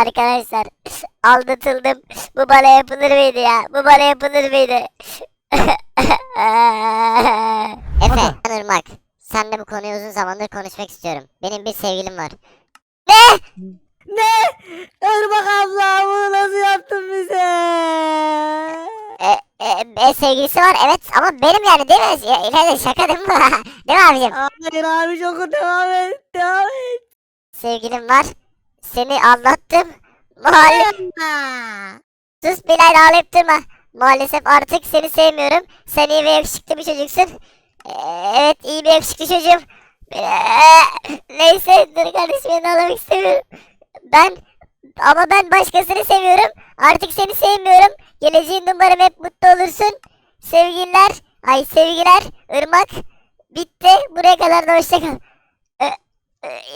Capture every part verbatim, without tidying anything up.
arkadaşlar. Aldatıldım. Bu bana yapılır mıydı ya? Bu bana yapılır mıydı? Efe, ben Irmak. Seninle bu konuyu uzun zamandır konuşmak istiyorum. Benim bir sevgilim var. Ne? Ne? Irmak abla bunu nasıl yaptın bize? E, e, e, sevgilisi var evet ama benim yani değil mi? Ya, İlayda şaka değil mi? Değil mi abicim? Hayır abi çok devam et. Devam et. Sevgilim var. Seni aldattım. Maalesef. Aa. Sus Bilal ağlayıp durma. Maalesef artık seni sevmiyorum. Sen iyi ve yakışıklı bir çocuksun. Ee, evet iyi bir yakışıklı çocuğum. Ee, neyse dur kardeşim ben ağlamak istemiyorum. Ben ama ben başkasını seviyorum. Artık seni sevmiyorum. Geleceğin umarım hep mutlu olursun. Sevgiler. Ay sevgiler. Irmak. Bitti. Buraya kadar da hoşça kal. Ee, e,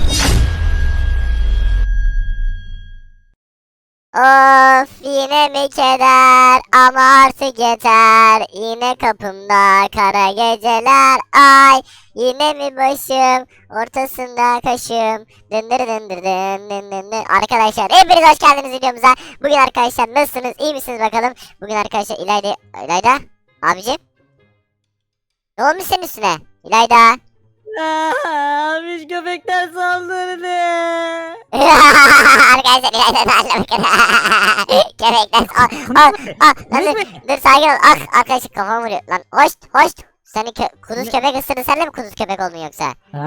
Of yine mi keder ama artık yeter. Yine kapımda kara geceler ay. Yine mi başım ortasında kaşım. Dındır dındır dın dın dın dın. Arkadaşlar hepiniz hoş geldiniz videomuza. Bugün arkadaşlar nasılsınız iyi misiniz bakalım. Bugün arkadaşlar İlayda İlayda abicim. Ne olmuş senin üstüne İlayda? Abi köpekler saldırdı. Arkadaşlar İlayda da anlamak. Köpekler al al al lan dur, dur sakin ol ah arkadaşlar kafam vuruyor lan hoş hoş seni kö kuduz köpek ısırdı sen de mi kuduz köpek oldun yoksa?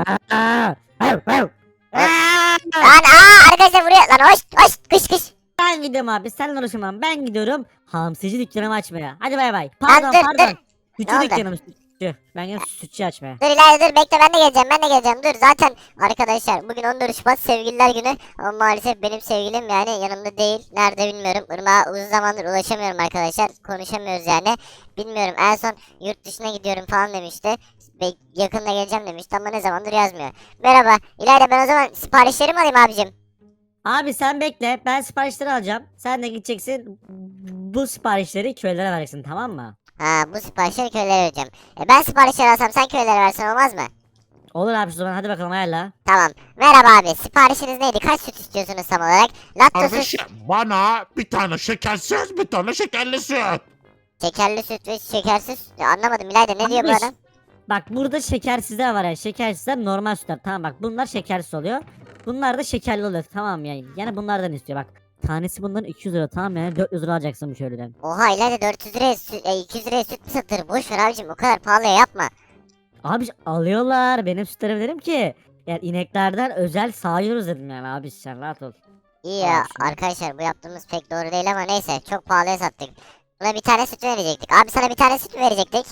Lan aa arkadaşlar vuruyor lan hoş hoş kış kış. Ben gidiyorum abi sen uğraşamam ben gidiyorum hamsici dükkanımı açmaya. Hadi bay bay. Lan Pardon dur, pardon. dur. Sütçü Ne oldu? dükkanım sütçü. Ben gidiyorum sütçü açmaya. Dur İlayda dur bekle ben de geleceğim ben de geleceğim dur zaten arkadaşlar bugün on dört Şubat sevgililer günü ama maalesef benim sevgilim yani yanımda değil nerede bilmiyorum Irmak'a uzun zamandır ulaşamıyorum arkadaşlar konuşamıyoruz yani bilmiyorum en son yurt dışına gidiyorum falan demişti Be- yakında geleceğim demişti ama ne zamandır yazmıyor. Merhaba İlayda ben o zaman siparişlerimi alayım abicim. Abi sen bekle ben siparişleri alacağım. Sen de gideceksin bu siparişleri köylere vereceksin tamam mı? Ha bu siparişleri köylere vereceğim. E, ben siparişleri alsam sen köylere versen olmaz mı? Olur abi o zaman hadi bakalım ayarla. Tamam. Merhaba abi siparişiniz neydi? Kaç süt istiyorsunuz tam olarak? Laktosuz Kardeşim bana bir tane şekersiz bir tane şekerli süt. şekerli süt ve şekersiz. Ya, anlamadım İlayda ne diyor bu Yanlış. adam? Bak burada şekersizler var ya şekersizler normal sütler tamam bak bunlar şekersiz oluyor. Bunlar da şekerli oluyor tamam yani. Yani bunlardan istiyor bak. Tanesi bunların iki yüz lira tamam yani dört yüz lira alacaksın bu köylüden. Oha İlayda dört yüz liraya süt, e, iki yüz liraya süt mü satılır? Boş ver abicim o kadar pahalıya yapma. Abi alıyorlar benim sütlerim dedim ki. Yani ineklerden özel sağıyoruz dedim yani abi sen rahat ol. İyi Tamam, ya şunu- arkadaşlar bu yaptığımız pek doğru değil ama neyse çok pahalıya sattık. Buna bir tane süt verecektik. Abi sana bir tane süt mü verecektik?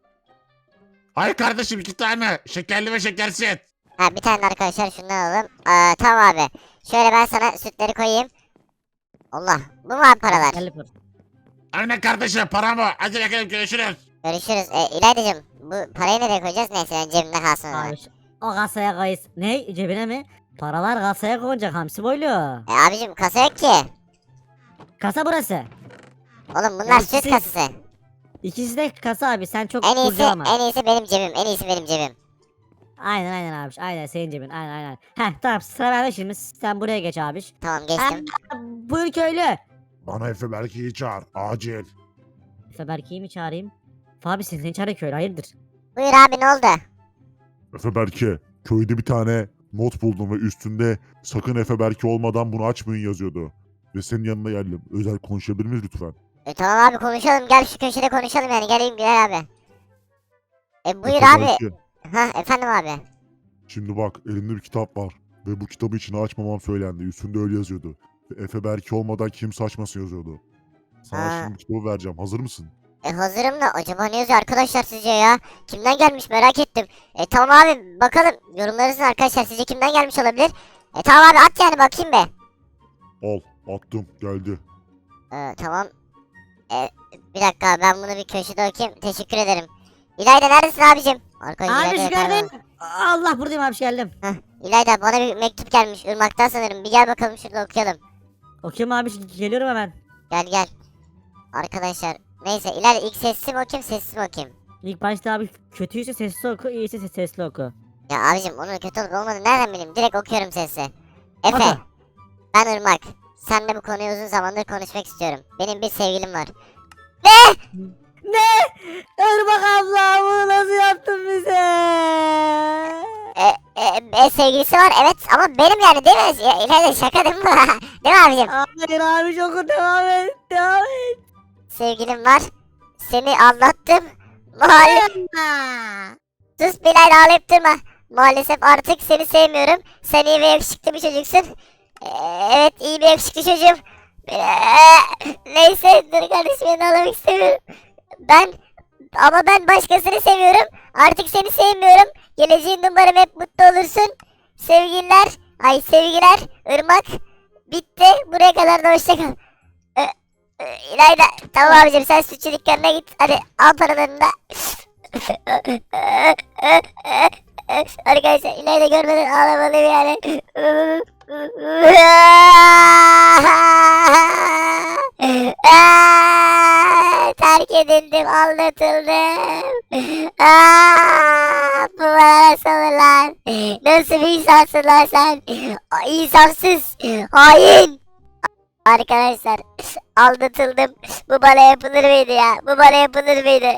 Hayır kardeşim iki tane şekerli ve şekersiz. Ha bir tane de arkadaşlar şundan alalım. Aa, tamam abi. Şöyle ben sana sütleri koyayım. Allah bu mu abi paralar? Gel yapalım. Aynen kardeşim paramı. Hadi bakalım görüşürüz. Görüşürüz. E, İlaydacığım bu parayı nereye koyacağız? Neyse ben cebimde kalsın o zaman. Abi şu- o kasaya koyuz. Ne cebine mi? Paralar kasaya konacak hamsi boylu. E, abicim kasa yok ki. Kasa burası. Oğlum bunlar Ya süt ikisi- kasası. İkisi de kasa abi sen çok En iyisi kurcalama. en iyisi benim cebim. En iyisi benim cebim. Aynen aynen abi aynen senin cebin aynen aynen. Heh tamam sıra bende şimdi sen buraya geç abi. Tamam geçtim. Buyur köylü. Bana Efe Berke'yi çağır acil. Efe Berke'yi mi çağırayım? Abi sen seni çağırıyor köylü hayırdır? Buyur abi ne oldu? Efe Berke, köyde bir tane not buldum ve üstünde sakın Efe Berke olmadan bunu açmayın yazıyordu. Ve senin yanına geldim. Özel konuşabilir miyiz lütfen? E, tamam abi konuşalım. Gel şu köşede konuşalım yani. Geleyim Bilal abi. E buyur Efe abi. Berke, Ha efendim abi. şimdi bak elimde bir kitap var. Ve bu kitabı içine açmamam söylendi. Üstünde öyle yazıyordu. Ve Efe Berke olmadan kimse açmasın yazıyordu. Sana Aa. şimdi kitabı vereceğim. Hazır mısın? E hazırım da acaba ne yazıyor arkadaşlar sizce ya? Kimden gelmiş merak ettim. E tamam abi bakalım. Yorumlarınızın arkadaşlar sizce kimden gelmiş olabilir? E tamam abi at yani bakayım be. Al, attım. Geldi. Ee, tamam. Ee, bir dakika ben bunu bir köşede okuyayım. Teşekkür ederim. İlayda neredesin abicim? Arkadaşlar Abi şu geldin. Allah buradayım abi geldim. Heh, İlayda bana bir mektup gelmiş Irmak'tan sanırım. Bir gel bakalım şurada okuyalım. Okuyayım abi geliyorum hemen. Gel gel. Arkadaşlar neyse İlayda ilk sessiz mi okuyayım sessiz mi okuyayım? İlk başta abi kötüyse sesli oku, iyiyse ses- sesli oku. Ya abicim onun kötü olup olmadığını nereden bileyim? Direkt okuyorum sesi. Efe. Oku. Ben Irmak. Seninle bu konuyu uzun zamandır konuşmak istiyorum. Benim bir sevgilim var. Ne? Irmak abla bunu nasıl yaptın bize? E, e, e, sevgilisi var evet ama benim yani değil mi? Ya, İlayda şaka değil mi? Değil mi abicim? Hayır abi çok devam et. Devam et. Sevgilim var. Seni anlattım. Maalesef. Sus Bilal ağlayıp durma. Maalesef artık seni sevmiyorum. Sen iyi ve yakışıklı bir çocuksun. Ee, evet iyi bir yakışıklı çocuğum. Ee, neyse dur kardeşim beni ağlamak istemiyorum. Ben ama ben başkasını seviyorum. Artık seni sevmiyorum. Geleceğin umarım hep mutlu olursun. Sevgililer. Ay sevgiler. Irmak. Bitti. Buraya kadar da hoşça kal. Ee, e, İlayda. Tamam abicim sen sütçü dükkanına git. Hadi al paralarını da. Arkadaşlar İlayda görmeden ağlamalıyım yani. Terk edildim, aldatıldım. Aa, bu bana nasıl olur lan? Nasıl bir insansın lan sen? İnsafsız, hain. Arkadaşlar aldatıldım. Bu bana yapılır mıydı ya? Bu bana yapılır mıydı?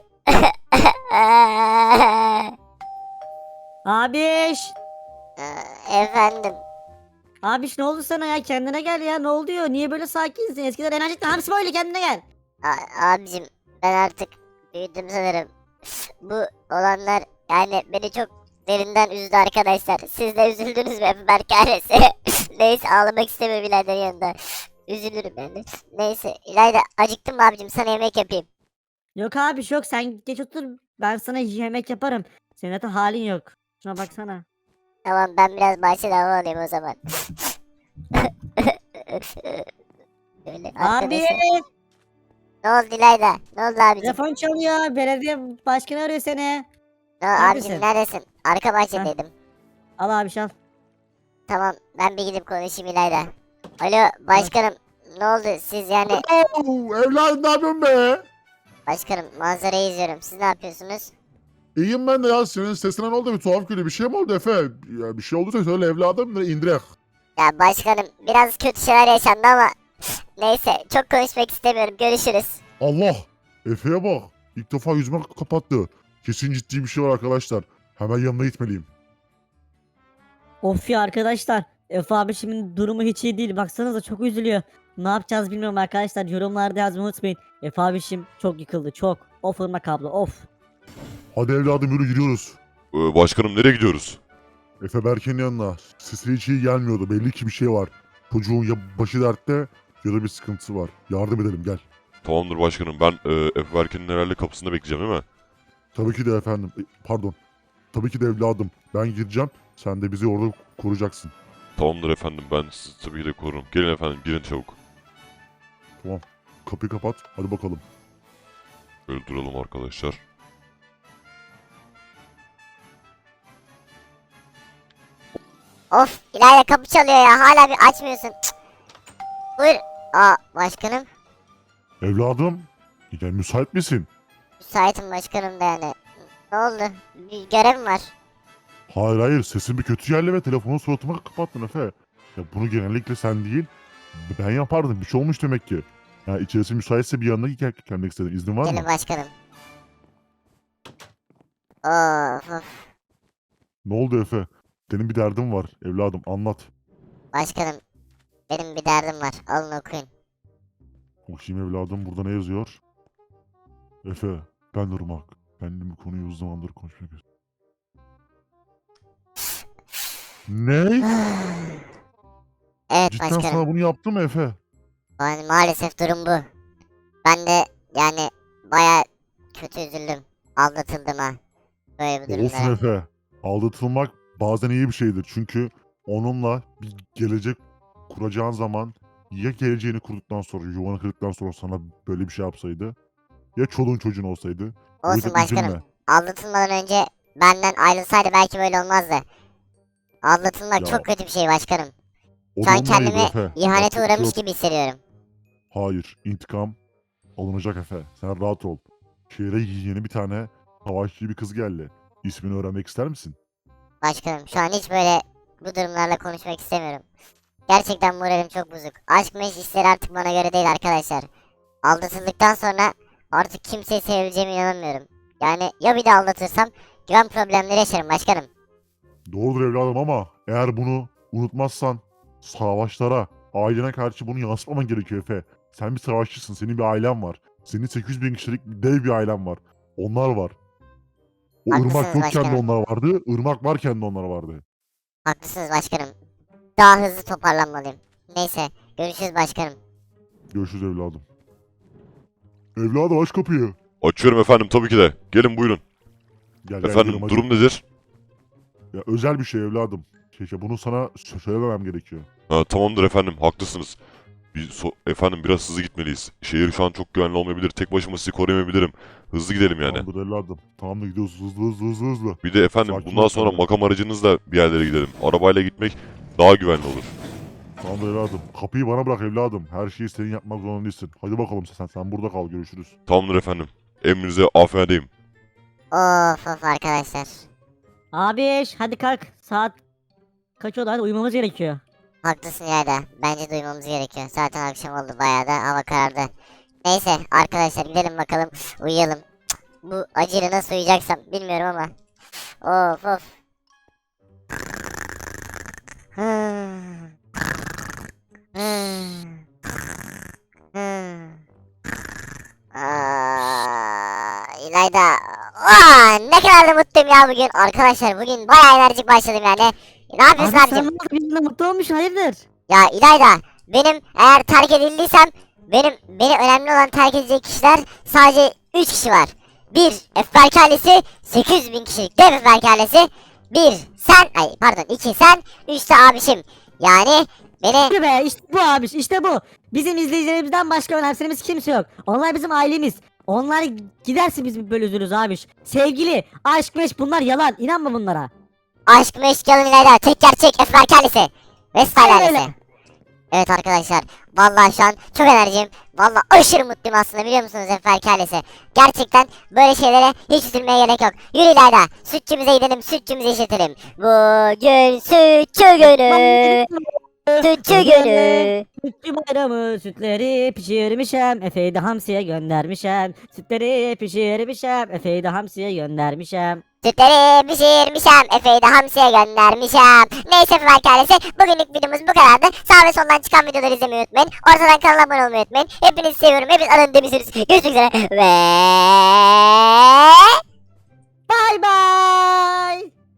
Abiş. Efendim. Abiş ne oldu sana ya? Kendine gel ya. Ne oluyor? Niye böyle sakinsin? Eskiden enerjiktin. Hamsi böyle kendine gel. A- abicim ben artık büyüdüm sanırım. Bu olanlar yani beni çok derinden üzdü arkadaşlar. Siz de üzüldünüz mü Berk ailesi? Neyse ağlamak istemiyorum İlayda'nın yanında. Üzülürüm ben de. Neyse İlayda acıktım mı abicim sana yemek yapayım. Yok abi yok. Sen geç otur. Ben sana yemek yaparım. Senin zaten halin yok. Şuna baksana. Tamam ben biraz bahçede hava alayım o zaman. Böyle Abi. arkadaşlar. Ne oldu İlayda? Ne oldu abicim? Telefon çalıyor. Belediye başkanı arıyor seni. Ne, abicim neredesin? neredesin? Arka bahçedeydim. Al abi al. Tamam ben bir gidip konuşayım İlayda. Alo başkanım ne oldu siz yani Oo, evladım ne yapıyorsun be? başkanım manzarayı izliyorum siz ne yapıyorsunuz? İyiyim ben de ya. Senin sesine ne oldu? Bir tuhaf geliyor. Bir şey mi oldu Efe? Ya bir şey olduysa söyle evladım. da indirek. Ya başkanım biraz kötü şeyler yaşandı ama neyse çok konuşmak istemiyorum görüşürüz. Allah! Efe'ye bak. İlk defa yüzüme kapattı. Kesin ciddi bir şey var arkadaşlar. Hemen yanına gitmeliyim. Of ya arkadaşlar. Efe abi şimdi durumu hiç iyi değil. Baksanıza çok üzülüyor. Ne yapacağız bilmiyorum arkadaşlar. Yorumlarda yazmayı unutmayın. Efe abişim çok yıkıldı çok. Of Irmak abla of. Hadi evladım yürü gidiyoruz. Ee, başkanım nereye gidiyoruz? Efe Berke'nin yanına. Sesi hiç iyi gelmiyordu. Belli ki bir şey var. Çocuğun ya başı dertte ya da bir sıkıntısı var. Yardım edelim gel. Tamamdır başkanım, ben e, Efe Berke'nin herhalde kapısında bekleyeceğim değil mi? Tabii ki de efendim. E, Pardon. Tabii ki de evladım. Ben gireceğim. Sen de bizi orada koruyacaksın. Tamamdır efendim, ben sizi tabii ki de korurum. Gelin efendim, girin çabuk. Kapıyı kapat. Hadi bakalım. Böyle duralım arkadaşlar. Of İlayda kapı çalıyor ya hala bir açmıyorsun. Cık. Buyur. Aa başkanım Evladım. Ya müsait misin? müsaitim başkanım da yani. Ne oldu? Bir görevim var. Hayır hayır. Sesin bir kötü geldi ve telefonu suratıma kapattın Efe. Ya bunu genellikle sen değil. Ben yapardım. Bir şey olmuş demek ki. Ya içerisi müsaitse bir yanına gel gelmek istedim. İznin var Gelin mı? başkanım. Of of. Ne oldu Efe? Senin bir derdin var evladım. Anlat. Başkanım benim bir derdim var alın okuyun. Bakayım evladım burada ne yazıyor? Efe, ben Irmak. Benimle bu konuyu uzun zamandır konuşmak istiyorum. Ne? Evet Cidden başkanım. sana bunu yaptı mı Efe? Yani maalesef durum bu. Ben de yani baya kötü üzüldüm. Aldatıldım ha. Böyle bir Olsun durumlara. Efe. Aldatılmak bazen iyi bir şeydir. Çünkü onunla bir gelecek kuracağın zaman ya geleceğini kurduktan sonra, yuvanı kırdıktan sonra sana böyle bir şey yapsaydı ya çoluğun çocuğun olsaydı. O Olsun yüzden başkanım. üzülme. Aldatılmadan önce benden ayrılsaydı belki böyle olmazdı. Aldatılmak Ya, çok kötü bir şey başkanım. O Şu an durumdaydı kendimi Efe. ihanete Yapacak bir şey uğramış yok. gibi hissediyorum. Hayır, intikam alınacak Efe. Sen rahat ol. Şehre yeni bir tane savaşçı bir kız geldi. İsmini öğrenmek ister misin? Başkanım şu an hiç böyle bu durumlarla konuşmak istemiyorum. Gerçekten moralim çok bozuk. Aşk meşk işleri artık bana göre değil arkadaşlar. Aldatıldıktan sonra artık kimseyi sevebileceğime inanamıyorum. Yani ya bir de aldatırsam güven problemleri yaşarım başkanım. Doğrudur evladım ama eğer bunu unutmazsan savaşlara, ailene karşı bunu yansıtmaman gerekiyor Efe. Sen bir savaşçısın, senin bir ailen var. Senin sekiz yüz bin kişilik bir dev bir ailen var. Onlar var. O Haklısınız ırmak yokken de başkanım. onlar vardı, ırmak varken de onlar vardı. Haklısınız başkanım. Daha hızlı toparlanmalıyım. Neyse görüşürüz başkanım. Görüşürüz evladım. Evladım aç kapıyı. Açıyorum efendim tabii ki de. Gelin buyurun. Gel gel Efendim gidelim, hadi. durum nedir? Ya, özel bir şey evladım. Şey, şey, bunu sana sö- söylememem gerekiyor. Ha, tamamdır efendim haklısınız. Biz so- efendim biraz hızlı gitmeliyiz. Şehir şu an çok güvenli olmayabilir. Tek başıma sizi koruyamayabilirim. Hızlı gidelim yani. Tamamdır evladım. Tamamdır gidiyoruz hızlı hızlı hızlı hızlı. Bir de efendim Sakin bundan ol sonra tabii. makam aracınızla bir yerlere gidelim. Arabayla gitmek daha güvenli olur. Tamamdır evladım. Kapıyı bana bırak evladım. Her şeyi senin yapmak zorunda değilsin. Hadi bakalım sen, sen burada kal, görüşürüz. Tamamdır efendim. Emrinize afiyetteyim. Of of arkadaşlar. Abi hadi kalk. Saat kaç oldu? Hadi uyumamız gerekiyor. Haklısın İlayda. Bence duymamız gerekiyor. Zaten akşam oldu bayağı da hava karardı. Neyse arkadaşlar gidelim bakalım uyuyalım. Cık, bu acıyla nasıl uyuyacaksam bilmiyorum ama. Of of. Hmm. Hmm. Hmm. Aa, İlayda. Aa, ne kadar da mutluyum ya bugün. Arkadaşlar bugün bayağı enerjik başladım yani. Ne yapıyorsun Abi abicim? sen ne oldu? Yüzünde mutlu olmuşsun hayırdır? Ya İlayda, benim eğer terk edildiysem benim beni önemli olan terk edecek kişiler sadece üç kişi var. Bir Efberk ailesi, sekiz yüz bin kişilik dev Efberk ailesi. Bir sen, ay pardon iki sen, üç de abişim. Yani beni İşte be işte bu abi işte bu. Bizim izleyicilerimizden başka önemsediğimiz kimse yok. Onlar bizim ailemiz. Onlar giderse biz böyle üzülürüz abi. Sevgili, aşk, meşk bunlar yalan. İnanma bunlara. aşk meşk yalın İlayda, tek gerçek Efberk ailesi. Vestal Aynen öyle. ailesi. Evet arkadaşlar, vallahi şu an çok enerjiyim. Vallahi aşırı mutluyum aslında biliyor musunuz Efberk ailesi? Gerçekten böyle şeylere hiç üzülmeye gerek yok. Yürü İlayda, sütçümüze gidelim, sütçümüzü işletelim. Bugün sütçü günü, sütçü günü. Sütçü bayramı sütleri pişirmişem. Efe'yi de hamsiye göndermişem. Sütleri pişirmişem. Efe'yi de hamsiye göndermişem. Sütleri pişirmişem, Efe'yi de hamsiye göndermişem. Neyse Efberk ailesi, bugünlük videomuz bu kadardı. Sağ ve soldan çıkan videoları izlemeyi unutmayın. Ortadan kanala abone olmayı unutmayın. Hepinizi seviyorum, hepiniz alın demişsiniz. Görüşmek üzere ve... Bay bay.